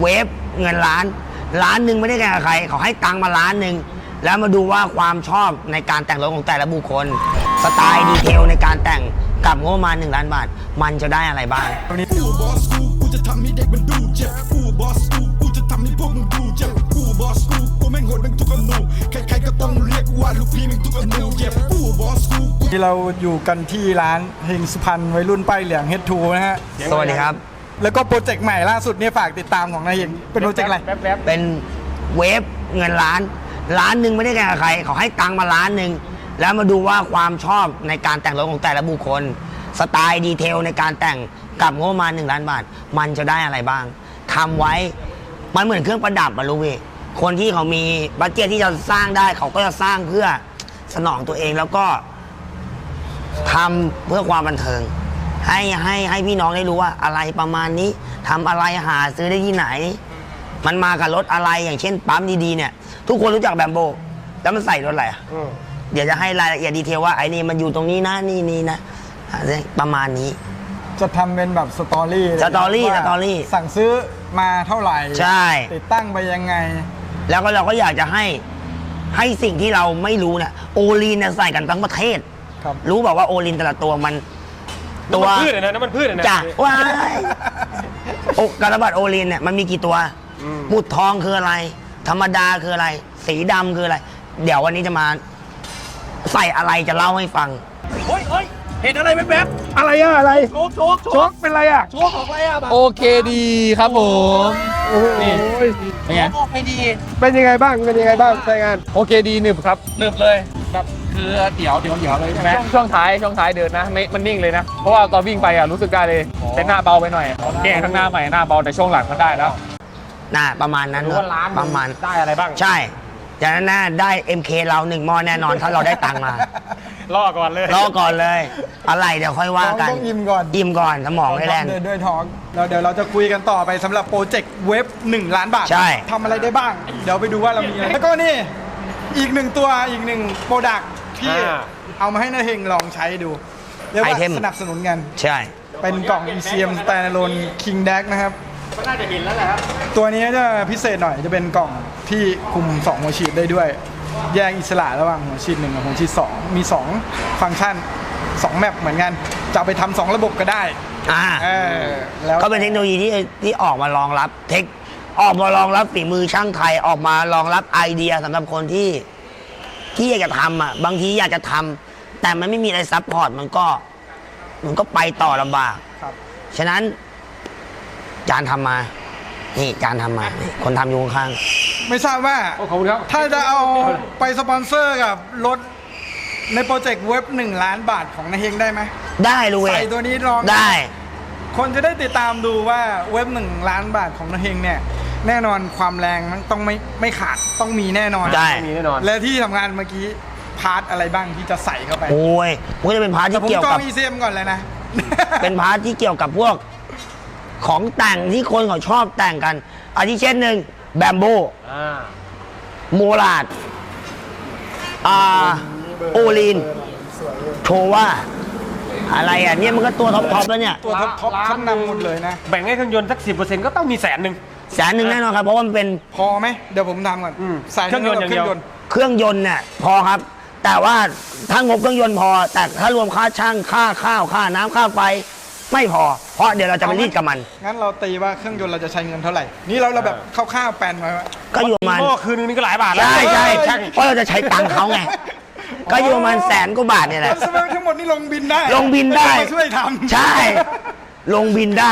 ฟเงินล้านหนึ่งไม่ได้แข่งกับใครเขาให้ตังค์มาล้านหนึ่งแล้วมาดูว่าความชอบในการแต่งรถของแต่ละบุคคลสไตล์ดีเทลในการแต่งกับงบประมาณ1 ล้านบาทมันจะได้อะไรบ้างกูบอสกูจะทำให้เด็กมันดูเจ็บกูบอสกูจะทำให้พวกมึงดูเจ็บกูบอสกูแม่งโหดแม่งทุกอนูใครๆก็ต้องเรียกว่าลูกพี่แม่งทุกอนูเจ็บกูบอสกูที่เราอยู่กันที่ร้านเฮงสุพรรณวัยรุ่นป้ายเหลืองเฮดทูนะฮะสวัสดีครับแล้วก็โปรเจกต์ใหม่ล่าสุดเนี่ยฝากติดตามของนายเฮงเป็นโปรเจกต์อะไรเป็นเวฟเงินล้านหนึ่งไม่ได้แข่งกับใครเขาให้ตังค์มาล้านหนึ่งแล้วมาดูว่าความชอบในการแต่งรถของแต่ละบุคคลสไตล์ดีเทลในการแต่งกับงบประมาณ1 ล้านบาทมันจะได้อะไรบ้างทำไว้มันเหมือนเครื่องประดับอะลูกพี่คนที่เขามีบัดเจ็ตที่จะสร้างได้เขาก็จะสร้างเพื่อสนองตัวเองแล้วก็ทำเพื่อความบันเทิงให้พี่น้องได้รู้ว่าอะไรประมาณนี้ทำอะไรหาซื้อได้ที่ไหนมันมากับรถอะไรอย่างเช่นปั๊มดีๆเนี่ยทุกคนรู้จักแบมโบแล้วมันใส่รถอะไรเดี๋ยวจะให้รายละเอียดดีเทลว่าไอ้นี่มันอยู่ตรงนี้นะนี่นะประมาณนี้จะทำเป็นแบบสตอรี่สั่งซื้อมาเท่าไหร่ใช่ติดตั้งไปยังไงแล้วก็เราก็อยากจะให้สิ่งที่เราไม่รู้เนี่ยโอลีนเนี่ยใส่กันทั้งประเทศรู้บอกว่าโอลีนแต่ละตัวมันตัวพืชนะน้ำมันพืชนะจ้ะว้ายกระบาดโอลีนเนี่ยมันมีกี่ตัวหมุดทองคืออะไรธรรมดาคืออะไรสีดำคืออะไรเดี๋ยววันนี้จะมาใส่อะไรจะเล่าให้ฟังเฮ้ยเห็นอะไรแป๊บอะไรอะอะไรโชกเป็นอะไรอะโชกออกไปอะโอเคดีครับผมนี่เป็นไงออกไปดีเป็นยังไงบ้างใช้งานโอเคดีหนึบครับหนึบเลยแบบคือเดี๋ยวเลยใช่ไหมช่วงท้ายเดินนะไม่มันนิ่งเลยนะเพราะว่าตอนวิ่งไปอะรู้สึกได้เลยเป็นหน้าเบาไปหน่อยแก้ข้างหน้าใหม่หน้าเบาแต่ช่วงหลังมันได้แล้วน่าประมาณนั้นประมาณได้อะไรบ้างใช่จากนั้นน่าได้ MK เรา1 หม้อแน่นอนถ้าเราได้ตังค์มาล่อก่อนเลยอะไรเดี๋ยวค่อยว่ากันต้องอิ่มก่อนสมองให้แล่นด้วยท้องแล้วเดี๋ยวเราจะคุยกันต่อไปสำหรับโปรเจกต์เว็บ1 ล้านบาทใช่ทำอะไรได้บ้างเดี๋ยวไปดูว่าเรามีอะไรแล้วก็นี่อีก1 ตัวอีก1โปรดักต์ที่เอามาให้นายเฮงลองใช้ดูเรียกว่าสนับสนุนกันใช่เป็นกล่อง ECM Standalone King Deck นะครับก็น่าจะเห็นแล้วแหละครับตัวนี้จะพิเศษหน่อยจะเป็นกล่องที่คุม2หัวฉีดได้ด้วยแยกอิสระระหว่างหัวฉีด1กับหัวฉีด2มี2ฟังก์ชัน2แมปเหมือนกันจะไปทำ2ระบบก็ได้แล้วก็เป็นเทคโนโลยีที่ออกมารองรับฝีมือช่างไทยออกมารองรับไอเดียสำหรับคนที่อยากจะทำอ่ะบางทีอยากจะทำแต่มันไม่มีอะไรซัพพอร์ตมันก็ไปต่อลำบากฉะนั้นจานทำมานี่จานทำมาคนทำอยู่ข้างไม่ทราบว่าถ้าจะเอาไปสปอนเซอร์กับรถในโปรเจกต์เว็บ1 ล้านบาทของนายเฮงได้ไหมได้รู้ใส่ตัวนี้ลองได้คนจะได้ติดตามดูว่าเว็บ1 ล้านบาทของนายเฮงเนี่ยแน่นอนความแรงมันต้องไม่ขาดต้องมีแน่นอนได้มีแน่นอนและที่ทำงานเมื่อกี้พาร์ทอะไรบ้างที่จะใส่เข้าไปโอ้ยมันก็จะเป็นพาร์ทที่เกี่ยวกับผมจอง ECM ก่อนเลยนะเป็นพาร์ทที่เกี่ยวกับพวกของแต่งที่คนเขาชอบแต่งกันอาทิเช่นหนึ่งแบมโบโมลาดโอลีนโชว่าอะไรอ่ะเนี่ยมันก็ตัวท็อปแล้วเนี่ยตัวท็อปชั้นนำหมดเลยนะแบ่งให้เครื่องยนต์สัก 10% ก็ต้องมี100,000 แน่นอนครับเพราะว่ามันเป็นพอไหมเดี๋ยวผมทำก่อนใส่เครื่องยนต์อย่างเดียวเครื่องยนต์เนี่ยพอครับแต่ว่าถ้างบเครื่องยนต์พอแต่ถ้ารวมค่าช่างค่าข้าวค่าน้ำค่าไฟไม่พอเพราะเดี๋ยวเราจะไปรีดกับมันงั้นเราตีว่าเครื่องยนต์เราจะใช้เงินเท่าไหร่นี่เราแบบคร่าวๆแปลนไว้ก็อยู่ประมาณคืนนึงก็หลายบาทแล้วใช่เพราะเราจะใช้ตังค์เขาไงก็อยู่ประมาณ100,000 กว่าบาทเนี่ยแหละทั้งหมดนี่ลงบินได้ช่วยทำใช่ลงบินได้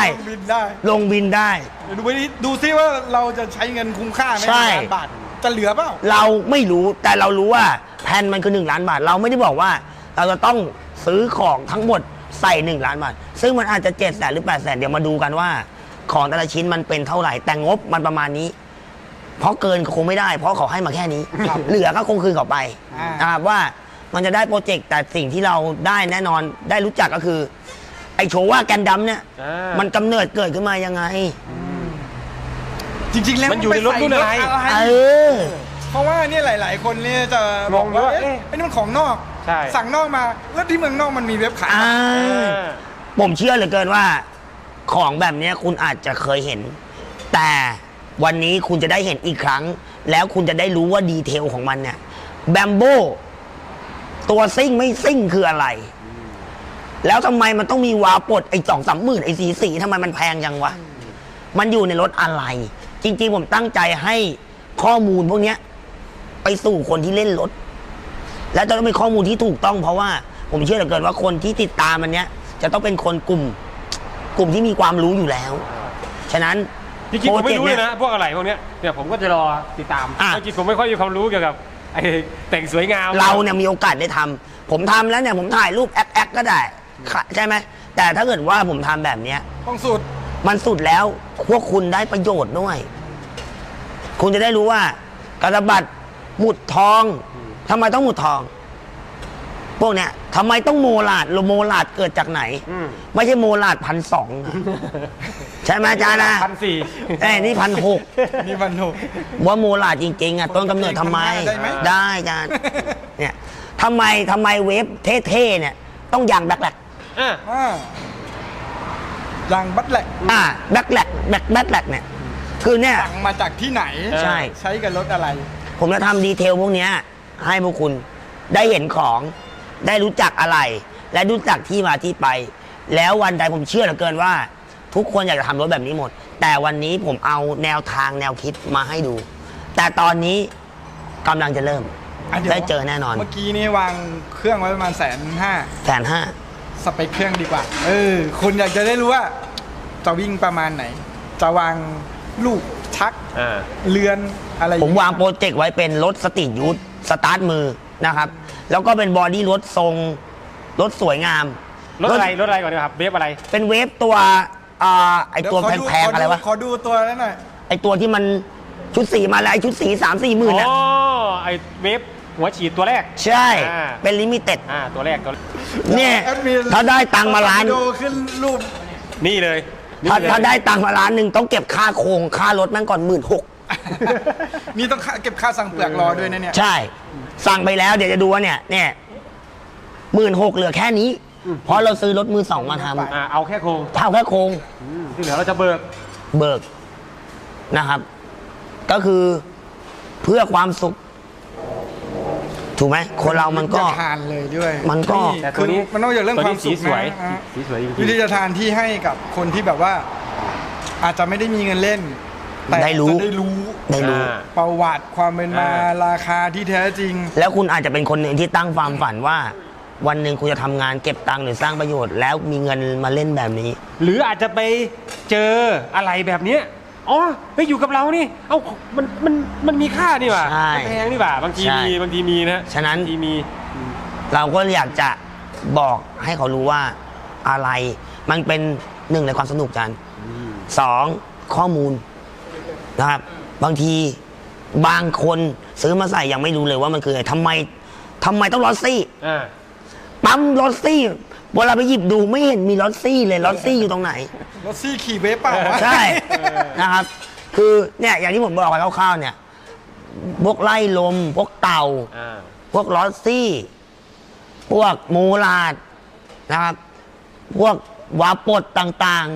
ดูซิว่าเราจะใช้เงินคุ้มค่าไหม1 ล้านบาทจะเหลือเปล่าเราไม่รู้แต่เรารู้ว่าแผนมันคือ1 ล้านบาทเราไม่ได้บอกว่าเราจะต้องซื้อของทั้งหมดใส่1 ล้านบาทซึ่งมันอาจจะ700,000 หรือ800,000เดี๋ยวมาดูกันว่าของแต่ละชิ้นมันเป็นเท่าไหร่แต่งบมันประมาณนี้เพราะเกินคงไม่ได้เพราะเขาให้มาแค่นี้เหลือก็คงคืนเขาไปนะครับว่ามันจะได้โปรเจกต์แต่สิ่งที่เราได้แน่นอนได้รู้จักก็คือไอโชว่าแกนดำเนี่ยมันกำเนิดเกิดขึ้นมายังไงจริงๆแล้วมันอยู่ในรถรุ่นอะไรเพราะว่านี่หลายๆคนเนี่ยจะบอกว่าไอ้นี่มันของนอกสั่งนอกมาแล้วที่เมืองนอกมันมีเว็บขายผมเชื่อเหลือเกินว่าของแบบนี้คุณอาจจะเคยเห็นแต่วันนี้คุณจะได้เห็นอีกครั้ง แล้วคุณจะได้รู้ว่าดีเทลของมันเนี่ยแบมโบตัวซิ่งไม่ซิ่งคืออะไร แล้วทำไมมันต้องมีวาล์วปลดไอ้2-3 หมื่นไอ้สีทำไมมันแพงจังวะ มันอยู่ในรถอะไร จริงๆผมตั้งใจให้ข้อมูลพวกเนี้ยไปสู่คนที่เล่นรถ และจะต้องเป็นข้อมูลที่ถูกต้องเพราะว่าผมเชื่อเหลือเกินว่าคนที่ติดตามมันเนี้ยจะต้องเป็นคนกลุ่มที่มีความรู้อยู่แล้ว ฉะนั้นจริงๆผมไม่รู้เลยโปจกต์นะ พวกอะไรพวกเนี้ยเดี๋ยวผมก็จะรอติดตามอ่ะจริงๆผมไม่ค่อยมีความรู้เกี่ยวกับไอ้แต่งสวยงามเราเนี่ยมีโอกาสได้ทำผมทำแล้วเนี่ยผมถ่ายรูปแอคก็ได้ใช่ไหมแต่ถ้าเกิดว่าผมทำแบบเนี้ยต้องสุดมันสุดแล้วพวกคุณได้ประโยชน์ด้วย คุณจะได้รู้ว่ากระบัดหมุดทองทำไมต้องหมุดทอง พวกเนี้ยทำไมต้องโมลาดโมลาดเกิดจากไหน ไม่ใช่โมลาด1,200ใช่ไหมอาจารย์นะ 1,400 ไอ้นี่1,600 นี่มันถูกว่าโมลาดจริงๆอ่ะต้นกำเนิดทำไมได้ไหมได้อาจารย์เนี่ยทำไมเวฟเท่ๆเนี่ยต้องยางแบกแหลกอ่ะยางบัตแหลกแบกแหลกแบกแหลกเนี่ยคือเนี่ยสั่งมาจากที่ไหนใช่ใช้กับรถอะไรผมจะทำดีเทลพวกเนี้ยให้พวกคุณได้เห็นของได้รู้จักอะไร และรู้จักที่มาที่ไป แล้ววันใดผมเชื่อเหลือเกินว่า ทุกคนอยากจะทำรถแบบนี้หมด แต่วันนี้ผมเอาแนวทางแนวคิดมาให้ดู แต่ตอนนี้กำลังจะเริ่มดี๋ยวได้เจอแน่นอนเมื่อกี้นี่วางเครื่องไว้ประมาณ150,000 150,000 สเปคเครื่องดีกว่า คุณอยากจะได้รู้ว่า จะวิ่งประมาณไหน จะวางลูกชักอ่าเรือนอะไรผมวางโปรเจกต์ไว้เป็นรถสตรีทยูทสตาร์ทมือนะครับ แล้วก็เป็นบอดี้รถทรงรถสวยงามรถอะไรก่อนดีกว่าครับเวฟอะไรเป็นเวฟตัวไอตัวเดี๋ยขแพงๆอะไรวะขอดูตัวนั้นหน่อยไอตัวที่มันชุดสีมาแล้วไอชุดสี3-4 หมื่นอ๋อ่ะอไอ้เวฟหัวฉีดตัวแรกใช่อ่าเป็นลิมิเต็ดตัวแรกเนี่ยแอดมินถ้าได้ตังค์มาล้านดูขึ้นรูปนี่เลยนี่ถ้าเลยถ้าได้ตังค์มาล้านหนึ่งต้องเก็บค่าโครงค่ารถแม่งก่อน16,000 นี่ต้องเก็บค่าสั่งเปลือกรอด้วยนะเนี่ยใช่ สั่งไปแล้วเดี๋ยวจะดูว่าเนี่ย16,000เหลือแค่นี้ เพราะเราซื้อรถมือ 2มาทเอาแค่โครงำเท่าแค่โครงที่เหลือเราจะเบิกเบิกนะครับ ก็คือเพื่อความสุข ถูกไหมคนเรามันก็วิธีจะทานเลยด้วยมันก็แต่ตัวนี้คือมันนอกจากเรื่องความสุขสีสวยนะสีสวยจริงวิธีจะทานที่ให้กับคนที่แบบว่า อาจจะไม่ได้มีเงินเล่น แต่ได้รู้จะได้รู้ได้รู้ประวัติความเป็นมาราคาที่แท้จริงแล้วคุณอาจจะเป็นคนหนึ่งที่ตั้งความฝันว่า วันหนึ่งคุณจะทำงานเก็บตังค์หรือสร้างประโยชน์ แล้วมีเงินมาเล่นแบบนี้หรืออาจจะไปเจออะไรแบบเนี้ยอ๋อไปอยู่กับเรานี่เอ้ามันมีค่านี่หว่าใช่มันแพงนี่หว่าบางทีใช่มีนะฉะนั้นบางทีมีเราก็อยากจะบอกให้เขารู้ว่าอะไรมันเป็นหนึ่งในความสนุกกัน2ข้อมูลนะครับ บางทีบางคนซื้อมาใส่ยังไม่รู้เลยว่ามันคืออะไรทำไมต้องลอสซี่ ปั๊มลอสซี่เวลาไปหยิบดูไม่เห็นมีลอสซี่เลยลอสซี่อยู่ตรงไหนรถซี่ขี่เวฟเปล่าวะใช่นะครับ คือเนี่ยอย่างที่ผมบอกไปคร่าวๆเนี่ยพวกไล่ลมพวกเต่า พวกลอสซี่ พวกโมลาดนะครับ พวกวาปดต่าง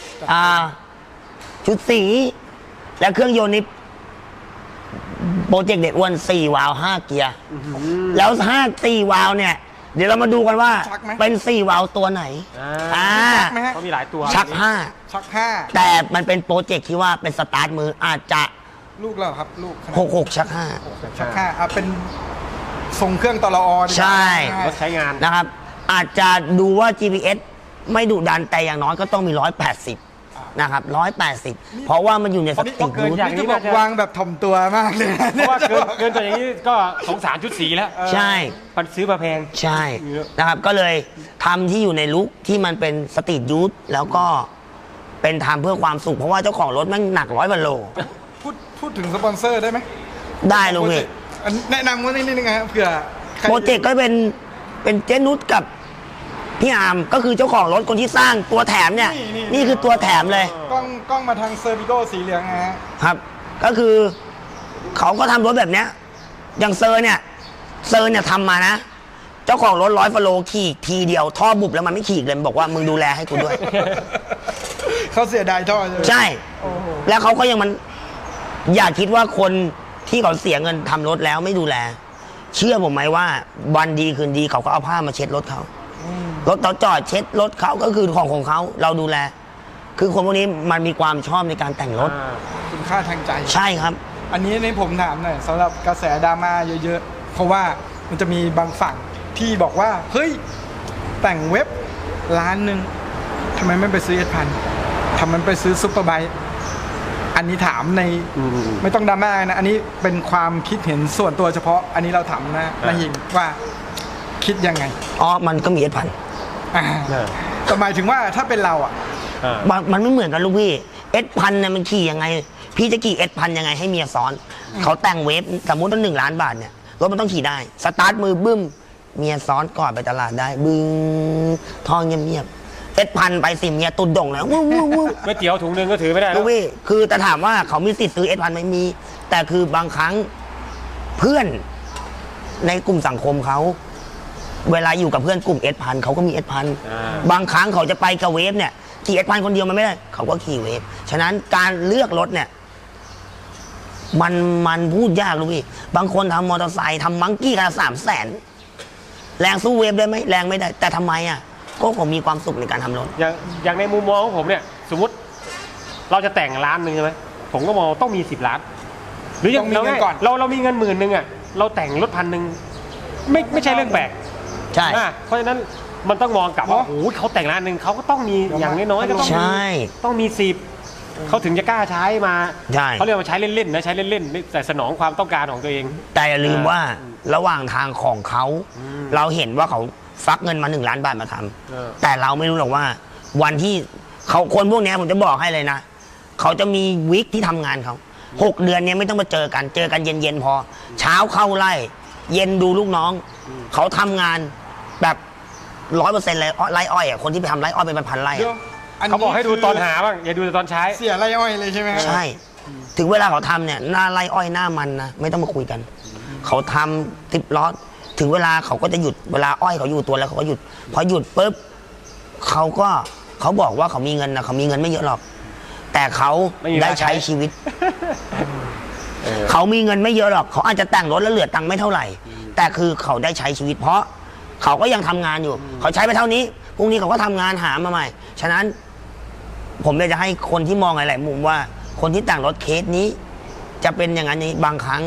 ๆชุดสี และเครื่องยนต์นี้โปรเจกต์เด็กอ้วน4 วาล์ว5 เกียร์แล้ว4 วาล์วเนี่ย เดี๋ยวเรามาดูกันว่าชักไหมเป็น4 วาล์วตัวไหนชักไหมฮะเขามีหลายตัวชักชักห้า 5 แต่มันเป็นโปรเจกต์ที่ว่าเป็นสตาร์ทมืออาจจะลูกเราครับลูกขนาด 66 ชักชักห้าเป็นทรงเครื่องตลอดีกว่าใช่รถใช้งาน 5 นะครับ อาจจะดูว่า GPS ไม่ดุดันแต่อย่างน้อยก็ต้องมี 180 นะครับ 180 เพราะว่ามันอยู่ในสติเกินรูทอย่างนี่จะบอกวางแบบถ่อมตัวมากเลยนะเพราะว่าเกินตัวอย่างนี้ก็สงสารชุดสีแล้วใช่มันซื้อมาแพงใช่นะครับก็เลยทำที่อยู่ในลุคที่มันเป็นสตรีทยูทแล้วก็เป็นทำเพื่อความสุข เพราะว่าเจ้าของรถแมันหนัก100 กว่าโลพูดถึงสปอนเซอร์ได้ไหมได้ลุงพี่อันแนะนำว่านิดนึงนะครับเผื่อใครโปรเจกต์ก็เป็นเจนุชกับพี่อาร์มก็คือเจ้าของรถคนที่สร้างตัวแถมเนี่ย นี่คือตัวแถมเลยกล้องมาทางเซอร์วิโก้สีเหลืองนะฮะครับ ก็คือเขาก็ทำรถแบบเนี้ยอย่างเซอร์เนี่ยทำมานะ เจ้าของรถ100 กว่าโลขี่ทีเดียวท่อบุบแล้วมันไม่ขี่เลยมันบอกว่ามึงดูแลให้กูด้วยเขาเสียดายท่อใช่ไหมใช่โอ้โหแล้วเขาก็ยังมันอย่าคิดว่าคนที่เขาเสียเงินทำรถแล้วไม่ดูแล เชื่อผมไหมว่าวันดีคืนดีเขาก็เอาผ้ามาเช็ดรถเขารถเขาจอดเช็ดรถเขาก็คือของเขาเราดูแล คือคนพวกนี้มันมีความชอบในการแต่งรถคุณค่าทางใจใช่ครับอันนี้ในผมถามหน่อยสำหรับกระแสดราม่าเยอะๆ เพราะว่ามันจะมีบางฝั่งที่บอกว่า เฮ้ย แต่งเว็บล้านหนึ่งทำไมไม่ไปซื้อS1000ทำไมไปซื้อซุปเปอร์ไบค์อันนี้ถามในไม่ต้องดราม่านะ อันนี้เป็นความคิดเห็นส่วนตัวเฉพาะ อันนี้เราถามนะนายหิงว่าคิดยังไงอ๋อมันก็มีS1000 อ่าแต่หมายถึงว่าถ้าเป็นเราอ่ะมันไม่เหมือนกันลูกพี่S1000เนี่ยมันขี่ยังไง พี่จะขี่S1000ยังไงให้เมียซ้อน เขาแต่งเวฟสมมุติว่า1 ล้านบาทเนี่ยรถมันต้องขี่ได้สตาร์ทมือบึ้มเมียซ้อนก่อนไปตลาดได้บึ้งท่องเงียบๆS1000ไปสิเมียตุดด่งแล้ววู้วู้วู้ก๋วยเตี๋ยวถุงนึงก็ถือไม่ได้แล้ลูวกพี่คือแต่ถามว่าเขามีสิทธิ์ซื้อS1000ไม่มี แต่คือบางครั้งเพื่อนในกลุ่มสังคมเขาเวลาอยู่กับเพื่อนกลุ่มS1000เขาก็มีS1000บางครั้งเขาจะไปกับเวฟเนี่ยขี่S1000คนเดียวมันไม่ได้เขาก็ขี่เวฟฉะนั้นการเลือกรถเนี่ยมันพูดยากลูกพี่บางคนทำมอเตอร์ไซค์ทำมังกี้กัน300,000แรงสู้เวฟได้ไหมแรงไม่ได้แต่ทำไมอ่ะก็ผมมีความสุขในการทำรถอย่างในมุมมองของผมเนี่ยสมมติเราจะแต่งล้านหนึ่งใช่ไหมผมก็มองต้องมี10 ล้าน หรืออย่างต้องมีเงินก่อนเรามีเงิน10,000อ่ะเราแต่งรถ1,000ไม่ใช่เรื่องแปลกใช่เพราะฉะนั้นมันต้องมองกลับว่าโอ้โหเขาแต่งล้านหนึ่งเขาก็ต้องมีอย่างน้อยๆก็ต้องใช่มี10เขาถึงจะกล้าใช้มาใช่เขาเรียกว่าใช้เล่นๆนะใช้เล่นๆแต่สนองความต้องการของตัวเองแต่อย่าลืมว่าระหว่างทางของเขาเราเห็นว่าเขาฟักเงินมา1 ล้านบาทมาทำแต่เราไม่รู้หรอกว่า วันที่เขาคนพวกนี้ผมจะบอกให้เลยนะเขาจะมีวิกที่ทำงานเขา6 เดือนเนี้ยไม่ต้องมาเจอกันเย็นๆพอ เช้าเข้าไล่เย็นดูลูกน้องเขาทำงานแบบ100%เลยไร่อ้อยอ่ะคนที่ไปทำไร่อ้อยเป็นพันไร่เดี๋ยวอะอันนี้เขาบอกให้ดูตอนหาบ้างอย่าดูแต่ตอนใช้เสียไรอ้อยเลยใช่ไหมครับใช่ ถึงเวลาเขาทำเนี่ยหน้าไร่อ้อยหน้ามันนะไม่ต้องมาคุยกัน เขาทำ10 ล้อถึงเวลาเขาก็จะหยุดเวลาอ้อยเขาอยู่ตัวแล้วเขาก็หยุดพอหยุดปุ๊บเขาบอกว่าเขามีเงินนะเขามีเงินไม่เยอะหรอก แต่เขาไม่มีเวลาได้ใช้ใช้ชีวิต เขามีเงินไม่เยอะหรอกเขาอาจจะแต่งรถแล้วเหลือตังค์ไม่เท่าไหร่ แต่คือเขาได้ใช้ชีวิต เพราะเขาก็ยังทำงานอยู่ เขาใช้ไปเท่านี้พรุ่งนี้เขาก็ทำงานหามาใหม่ ฉะนั้น ผมอยากจะให้คนที่มองหลายๆมุมว่า คนที่แต่งรถเคสนี้ จะเป็นอย่างนั้นนี้บางครั้ง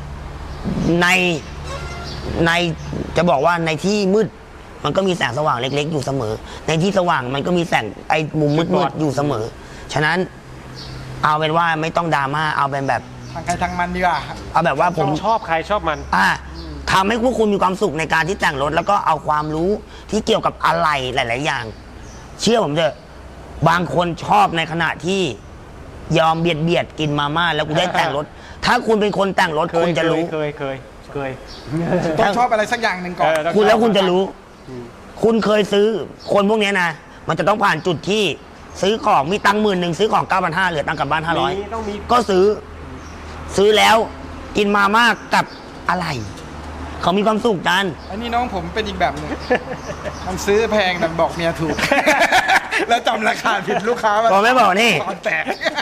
ในจะบอกว่าในที่มืดมันก็มีแสงสว่างเล็ก ๆ อยู่เสมอ ในที่สว่างมันก็มีแสงไอ้มุมมืดๆอยู่เสมอ ฉะนั้นเอาเป็นว่าไม่ต้องดราม่าเอาเป็นแบบทางใครทางมันดีกว่าเอาแบบว่าผมชอบใครชอบมันทำให้พวกคุณมีความสุขในการที่แต่งรถ แล้วก็เอาความรู้ที่เกี่ยวกับอะไรหลาย ๆ อย่าง เชื่อผมเถอะบางคนชอบในขณะที่ยอมเบียดกินมาม่าแล้วกูได้แต่งรถ ถ้าคุณเป็นคนแต่งรถคุณจะรู้เคยต้องชอบอะไรสักอย่างหนึ่งก่อนคุณแล้วคุณจะรู้ คุณเคยซื้อคนพวกเนี้ยนะมันจะต้องผ่านจุดที่ซื้อของมีตังค์10,000ซื้อของ 9,500เหลือตังค์กลับบ้านต้องมี 500ก็ซื้อแล้วกินมาม่ากับอะไร เขามีความสุขกันอันนี้น้องผมเป็นอีกแบบหนึ่งมันซื้อแพงแต่บอกเมียถูก แล้วจำราคาผิดลูกค้าบอกไม่บอกนี่ตอนแตก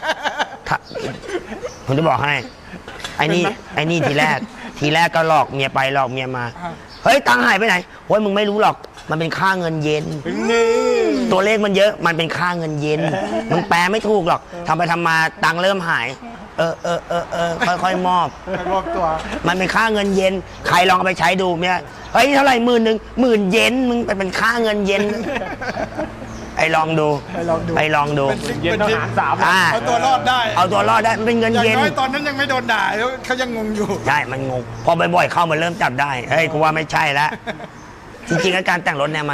ผมจะบอกให้ ไอ้นี่ทีแรกก็หลอกเมียไปหลอกเมียมา เฮ้ยตังค์หายไปไหนโอ้ยมึงไม่รู้หรอก มันเป็นค่าเงินเย็น ตัวเลขมันเยอะ มันเป็นค่าเงินเย็น มึงแปลไม่ถูกหรอกทำไปทำมาตังค์เริ่มหาย ค่อยๆมอบไปรวบตัวมันเป็นค่าเงินเย็น ใครลองเอาไปใช้ดูเนี่ยเฮ้ยเท่าไหร่10,000เยนมึงเป็นค่าเงินเย็น ไอ้ลองดูไปลองดูไอ้ลองดูเป็นซิกเย็นเป็นต้องซิกหาร3 อ่าเอาตัวรอดได้เอาตัวรอดได้มันเป็นเงินอย่างเย็นน้อยตอนนั้นยังไม่โดนด่าแล้วเขายังงงอยู่ใช่ มันงง พอบ่อยๆเข้ามันเริ่มจับได้ เฮ้ย กูว่าไม่ใช่แล้ว จริงๆแล้วการแต่งรถเนี่ย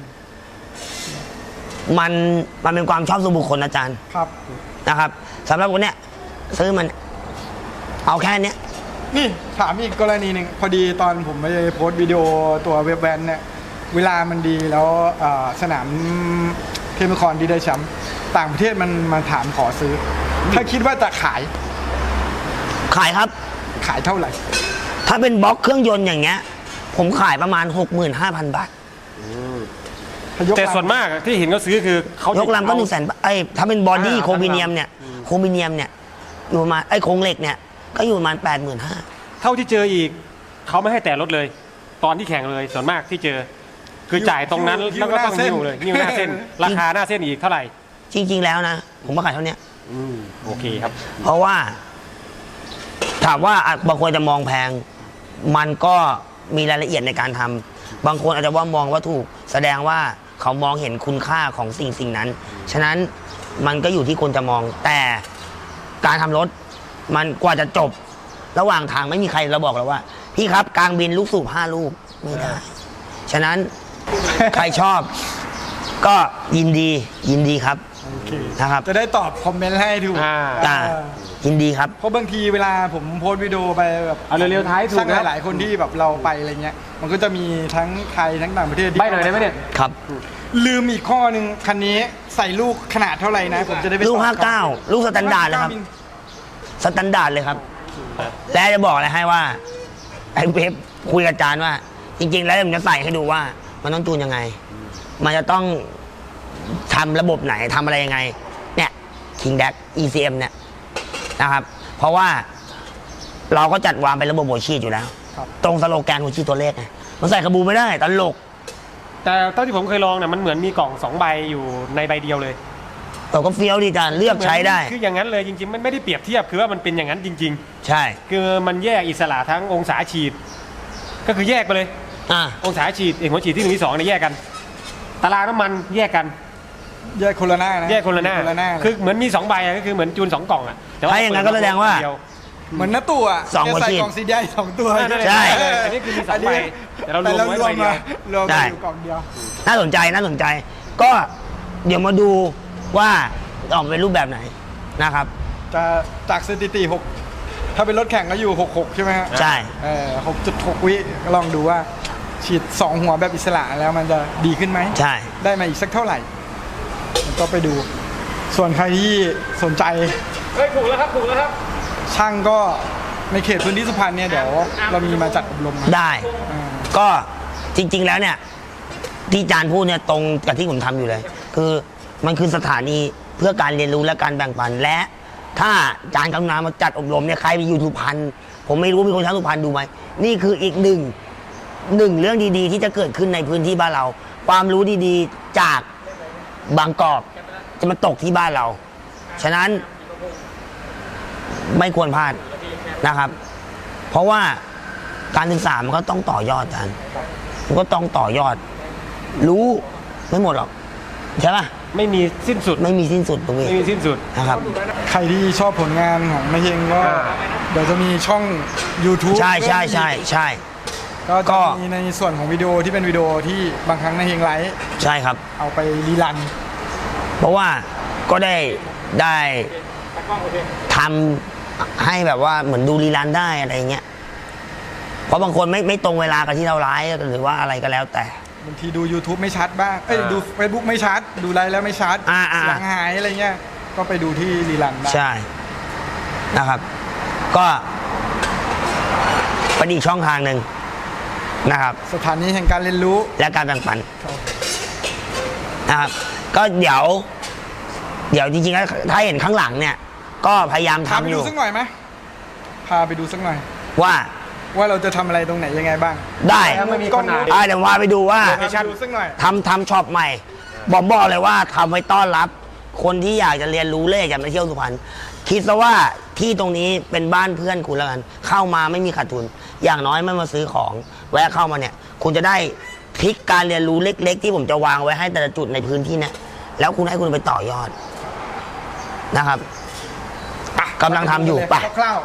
มันเป็นความชอบส่วนบุคคลอาจารย์ครับนะครับสำหรับคนเนี้ยซื้อมัน เอาแค่เนี้ยนี่ถามอีกกรณีหนึ่งพอดีตอนผมไปโพสต์วิดีโอตัวเว็บแวนเนี่ยเวลามันดีแล้วสนามเทมคอนดีได้แชมป์ต่างประเทศมันมาถามขอซื้อ ถ้าคิดว่าจะขายขายครับขายเท่าไหร่ถ้าเป็นบล็อกเครื่องยนต์อย่างเงี้ย ผมขายประมาณ 65,000 บาทแต่ส่วนมากที่เห็นเขาซื้อคือเขายกลำก็100,000 บาทถ้าเป็นบอดี้อ่าโครมิเนียมเนี่ยอยู่ประมาณไอ้โครงเหล็กเนี่ยก็อยู่ประมาณ85,000 เท่าที่เจออีกเขาไม่ให้แต่รถเลย ตอนที่แข่งเลยส่วนมากที่เจอ คือจ่ายตรงนั้นหิ้วแล้วก็ต้องหน้าเส้นหิ้วเลยหิ้วหน้าเส้น ราคาหน้าเส้นอีกเท่าไหร่จริง ๆ แล้วนะ ผมมาขายเท่าเนี้ยโอเคครับเพราะว่าถามว่าบางคนจะมองแพง มันก็มีรายละเอียดในการทำบางคนอาจจะว่ามองว่าถูกแสดงว่าเขามองเห็นคุณค่าของสิ่งนั้น ฉะนั้นมันก็อยู่ที่คนจะมอง แต่การทำรถมันกว่าจะจบ ระหว่างทางไม่มีใครเราบอกเราว่า พี่ครับกลางบินลูกสูบ5 ลูกไม่ได้ ฉะนั้น ใครชอบ ก็ยินดีครับโอเคนะครับจะได้ตอบคอมเมนต์ให้ถูกจ้ายินดีครับเพราะบางทีเวลาผมโพสต์วิดีโอไปแบบเอาเร็วๆท้ายถูกช่างนะหลายๆคนที่แบบเราไปอะไรเงี้ย มันก็จะมีทั้งไทยทั้งต่างประเทศที่ใบหน่อยได้ไหมเนี่ยครับลืมอีกข้อหนึ่งคันนี้ใส่ลูกขนาดเท่าไหร่นะ ผมจะได้ไปลูกสอบ 59 ลูกสแตนดาร์ดเลยครับ สแตนดาร์ดเลยครับ และจะบอกอะไรให้ว่า ไอ้เว็บคุยกับอาจารย์ว่า จริง ๆ แล้วผมจะใส่ให้ดูว่า มันต้องจูนยังไง มันจะต้องทำระบบไหนทำอะไรยังไง เนี่ย King Dash ECM เนี่ยนะครับ เพราะว่าเราก็จัดวางเป็นระบบหัวฉีดอยู่แล้ว ตรงสโลแกนหัวฉีดตัวเลขไงมันใส่ขบูไม่ได้ตลกแต่เท่าที่ผมเคยลองเนี่ยมันเหมือนมีกล่อง2 ใบอยู่ในใบเดียวเลยเราก็เฟี้ยวดีจานเลือกใช้ได้คืออย่างนั้นเลยจริงๆมันไม่ได้เปรียบเทียบคือว่ามันเป็นอย่างนั้นจริงใช่ๆ คือมันแยกอิสระทั้งองศาฉีด ก็คือแยกไปเลยอ่ะองศาฉีดหัวฉีดที่1ที่2เนี่ยแยกกัน ตารางน้ำมันแยกกันแยกคนละหน้านะแยกคนละหน้า คือเหมือนมี2 ใบอะก็คือเหมือนจูน2 กล่องอะแต่ว่าถ้าอย่างนั้นก็แสดงว่าเดียเหมือนน้าตู่อ่ะสองหัวแกใส่ฉีดกล่องสีใหญ่2 ตัวใช่อันนี้คือมี2 ใบแต่เรารวมไว้ใบเดียวรวมใช่มาอยู่กล่องเดียวน่าสนใจ ก็เดี๋ยวมาดูว่าออกเป็นรูปแบบไหนนะครับจะจากสถิติ6ถ้าเป็นรถแข่งก็อยู่66ใช่ไหมฮะใช่ 6.6 วิลองดูว่าฉีด2 หัวแบบอิสระแล้วมันจะดีขึ้นไหมใช่ได้มาอีกสักเท่าไหร่ก็ไปดู ส่วนใครที่สนใจเฮ้ยถูกแล้วครับถูกแล้วครับช่างก็ในเขตพื้นที่สุพรรณเนี่ยเดี๋ยวเรามีมาจัดอบรมนะได้อ่าก็จริง ๆ แล้วเนี่ย ที่อาจารย์พูดเนี่ยตรงกับที่ผมทำอยู่เลย คือมันคือสถานีเพื่อการเรียนรู้และการแบ่งปัน และถ้าอาจารย์กำนันมาจัดอบรมเนี่ยใครไปอยู่สุพรรณผมไม่รู้มีคนชาวสุพรรณดูไหมนี่คืออีกหนึ่งเรื่องดีๆ ที่จะเกิดขึ้นในพื้นที่บ้านเรา ความรู้ดีๆจากบางกอกจะมาตกที่บ้านเรา ฉะนั้นไม่ควรพลาดนะครับ เพราะว่าการศึกษามันก็ต้องต่อยอดกันมันก็ต้องต่อยอด รู้ไม่หมดหรอกใช่ปะไม่มีสิ้นสุดไม่มีสิ้นสุดตรงนี้ไม่มีสิ้นสุดนะครับใครที่ชอบผลงานของนายเฮงก็เดี๋ยวจะมีช่อง YouTube ใช่ก็จะมีในส่วนของวิดีโอที่เป็นวิดีโอที่บางครั้งนายเฮงไลฟ์ใช่ครับเอาไปรีรันเพราะว่าก็ได้ทำให้แบบว่าเหมือนดูรีลันได้อะไรเงี้ยเพราะบางคนไม่ตรงเวลากับที่เราไลฟ์หรือว่าอะไรก็แล้วแต่บางทีดู YouTube ไม่ชัดบ้างดู Facebook ไม่ชัด ดูไลฟ์แล้วไม่ชัดอ่าเสียงหายอะไรเงี้ยก็ไปดูที่รีรันได้ใช่นะครับ ก็เป็นอีกช่องทางหนึ่งนะครับสถานีแห่งการเรียนรู้และการแบ่งปันนะครับ ก็เดี๋ยวจริงๆแล้วถ้าเห็นข้างหลังเนี่ย ก็พยายามพาไปทำอดูยู่สักหน่อยไหมพาไปดูสักหน่อยว่าว่าเราจะทำอะไรตรงไหนยังไงบ้างได้ถ้าไม่มีคนอ่านเดี๋ยวพาไปดูว่าพาไปดูสักหน่อยทำช็อปใหม่ บอกเลยว่าทำไว้ต้อนรับ คนที่อยากจะเรียนรู้เลขอยากมาเที่ยวสุพรรณคิดซะว่าที่ตรงนี้เป็นบ้านเพื่อนคุณแล้วกัน เข้ามาไม่มีขาดทุน อย่างน้อยไม่มาซื้อของ แวะเข้ามาเนี่ย คุณจะได้ทริคการเรียนรู้เล็ก ๆ ที่ผมจะวางไว้ให้แต่ละจุดในพื้นที่เนี่ยแล้วคุณให้คุณไปต่อยอดนะครับกำลังทำอยู่ป่ะคร่าว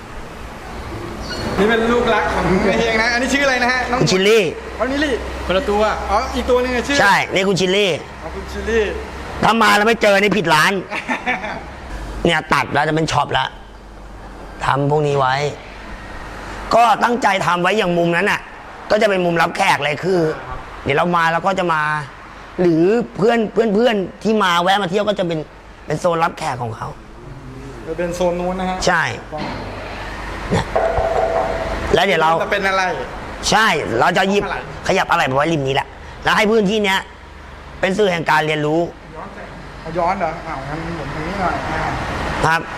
ๆนี่เป็นลูกรักของนายเฮงนะ อันนี้ชื่ออะไรนะฮะน้องคุณชิลลี่อ๋อนี่ลี่คนละตัวอ๋ออีกตัวหนึงอะชื่อใช่นี่คุณชิลลี่อ๋อคุณชิลลี่ถ้ามาแล้วไม่เจอนี่ผิดร้าน เนี่ยตัดแล้วจะเป็นช็อปแล้วทำพวกนี้ไว้ ก็ตั้งใจทำไว้อย่างมุมนั้นน่ะ ก็จะเป็นมุมรับแขกเลยคือ เดี๋ยวเรามาแล้วก็จะมา หรือเพื่อนที่มาแวะมาเที่ยวก็จะเป็นโซนรับแขกของเขาจะเป็นโซนนู้นนะฮะใช่เนี่ยแล้วเดี๋ยวเราจะเป็นอะไรใช่เราจะหยิบขยับอะไรไปไว้ริมนี้แหละ แล้วให้พื้นที่เนี้ยเป็นสื่อแห่งการเรียนรู้เอาย้อนเหรออ้าวงั้นผมตรงนี้หน่อยนะครับ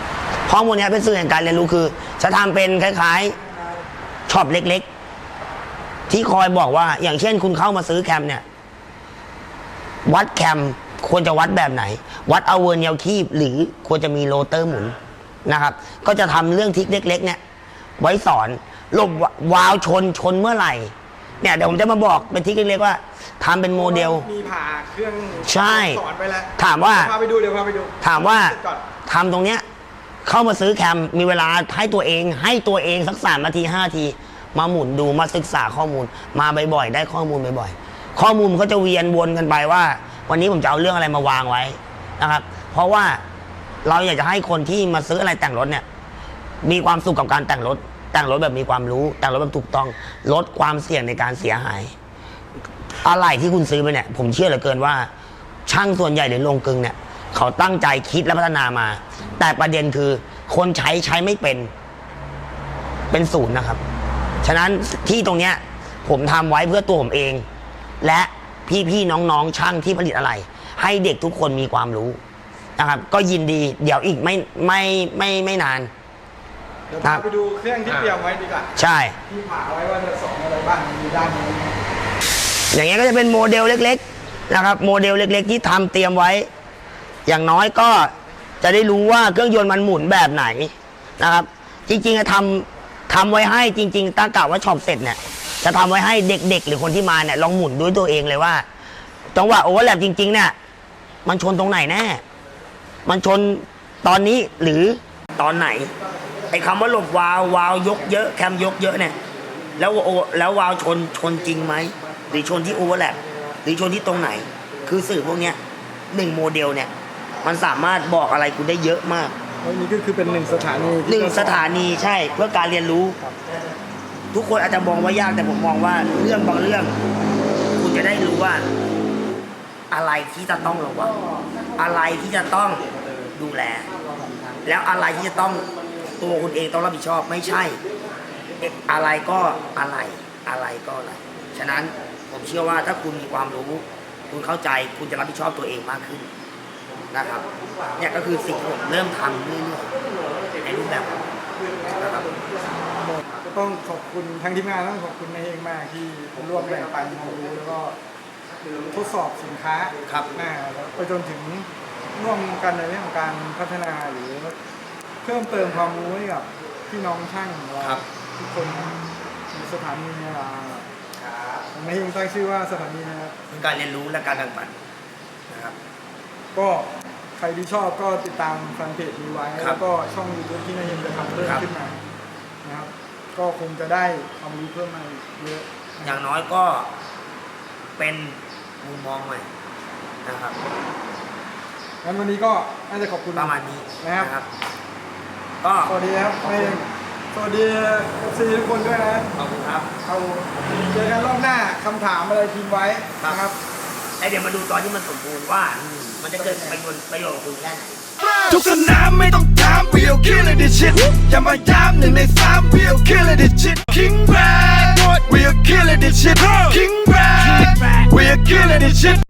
ข้อมูลเนี้ยเป็นสื่อแห่งการเรียนรู้คือ จะทำเป็นคล้ายๆช็อปเล็กๆ ที่คอยบอกว่าอย่างเช่นคุณเข้ามาซื้อแคมเนี่ยวัดแคมควรจะวัดแบบไหน วัดเอาเวอร์เนียลคีบหรือควรจะมีโรเตอร์หมุนนะครับก็จะทำเรื่องทิกเล็กๆเนี่ยไว้สอนหลบวาล์วชนเมื่อไหร่เนี่ยเดี๋ยวผมจะมาบอกเป็นทิกเล็กๆว่าทำเป็นโมเดลมีผ่าเครื่องใช่สอนไปแล้วถามว่าพาไปดูเดี๋ยวพาไปดูถามว่าก่อนทำตรงเนี้ยเข้ามาซื้อแคมมีเวลาให้ตัวเองสัก3 นาที 5 นาทีมาหมุนดูมาศึกษาข้อมูลมาบ่อยๆได้ข้อมูลบ่อยๆข้อมูลมันก็จะเวียนวนกันไปว่า วันนี้ผมจะเอาเรื่องอะไรมาวางไว้นะครับเพราะว่าเราอยากจะให้คนที่มาซื้ออะไรแต่งรถเนี่ยมีความสุขกับการแต่งรถแบบมีความรู้แต่งรถแบบถูกต้องลดความเสี่ยงในการเสียหายอะไรที่คุณซื้อไปเนี่ยผมเชื่อเหลือเกินว่าช่างส่วนใหญ่หรือโรงกลึงเนี่ยเขาตั้งใจคิดและพัฒนามาแต่ประเด็นคือคนใช้ไม่เป็นศูนย์นะครับฉะนั้นที่ตรงเนี้ยผมทำไว้เพื่อตัวผมเองและพี่ๆน้องๆช่างที่ผลิตอะไรให้เด็กทุกคนมีความรู้นะครับก็ยินดีเดี๋ยวอีกไม่นานเดี๋ยวพาไปดูเครื่องที่เตรียมไว้ดีกว่าใช่ที่ผ่าไว้ว่าจะสอนอะไรบ้างมีด้านนี้อย่างเงี้ยก็จะเป็นโมเดลเล็กๆนะครับโมเดลเล็กๆที่ทำเตรียมไว้อย่างน้อยก็จะได้รู้ว่าเครื่องยนต์มันหมุนแบบไหนนะครับจริงๆจะทำไว้ให้จริงๆตั้งกะว่าช็อปเสร็จเนี่ยจะทำไว้ให้เด็กๆหรือคนที่มาเนี่ยลองหมุนด้วยตัวเองเลยว่าจังหวะโอเวอร์แลปจริงๆเนี่ยมันชนตรงไหนแน่มันชนตอนนี้หรือตอนไหนไอ้คำว่าหลบวาล์วยกเยอะแคมยกเยอะเนี่ยแล้ววาล์วชนจริงไหมหรือชนที่โอเวอร์แลปหรือชนที่ตรงไหนคือสื่อพวกเนี้ย1 โมเดลเนี่ยมันสามารถบอกอะไรคุณได้เยอะมากอันนี้ก็คือเป็น1 สถานี 1 สถานีใช่เพื่อการเรียนรู้ทุกคนอาจจะมองว่ายากแต่ผมมองว่าเรื่องบางเรื่องคุณจะได้รู้ว่าอะไรที่จะต้องระวังอะไรที่จะต้องดูแลแล้วอะไรที่จะต้องตัวคุณเองต้องรับผิดชอบไม่ใช่อะไรก็อะไรฉะนั้นผมเชื่อว่าถ้าคุณมีความรู้คุณเข้าใจคุณจะรับผิดชอบตัวเองมากขึ้นนะครับเนี่ยก็คือสิ่งที่ผมเริ่มทำเรื่อยๆในรูปแบบนะครับก็ต้องขอบคุณทางทีมงานต้องขอบคุณนายเองมากที่ร่วมแบ่งปันความรู้แล้วก็ทดสอบสินค้าครับแล้วไปจนถึงร่วมกันในเรื่องของการพัฒนาหรือเพิ่มเติมความรู้ให้กับพี่น้องช่างของเราทุกคนในสถานีเนี่ยนายเองตั้งชื่อว่าสถานีนะครับการเรียนรู้และการแบ่งปันนะครับก็ใครที่ชอบก็ติดตามแฟนเพจนี้ไว้ครับแล้วก็ช่อง YouTube ที่นายเองจะทำเพิ่มครับขึ้นมานะครับก็คงจะได้ความรู้เพิ่มมาเยอะอย่างน้อยก็เป็นมุมมองใหม่นะครับงั้นวันนี้ก็น่าจะขอบคุณประมาณนี้นะครับก็สวัสดีครับนายเองสวัสดีซีทุกคนด้วยนะขอบคุณครับเอาเจอกันรอบหน้าคำถามอะไรทิ้งไว้นะครับแล้วเดี๋ยวมาดูตอนที่มันสมบูรณ์ว่ามันจะเกิดประโยชน์กับคุณแค่ไหนทุกสนามไม่ต้องถาม we'll kill it this shit อย่ามาย้ำ1 ใน 3 we'll kill it this shit King Brad we'll kill it this shit King Brad we'll kill it this shit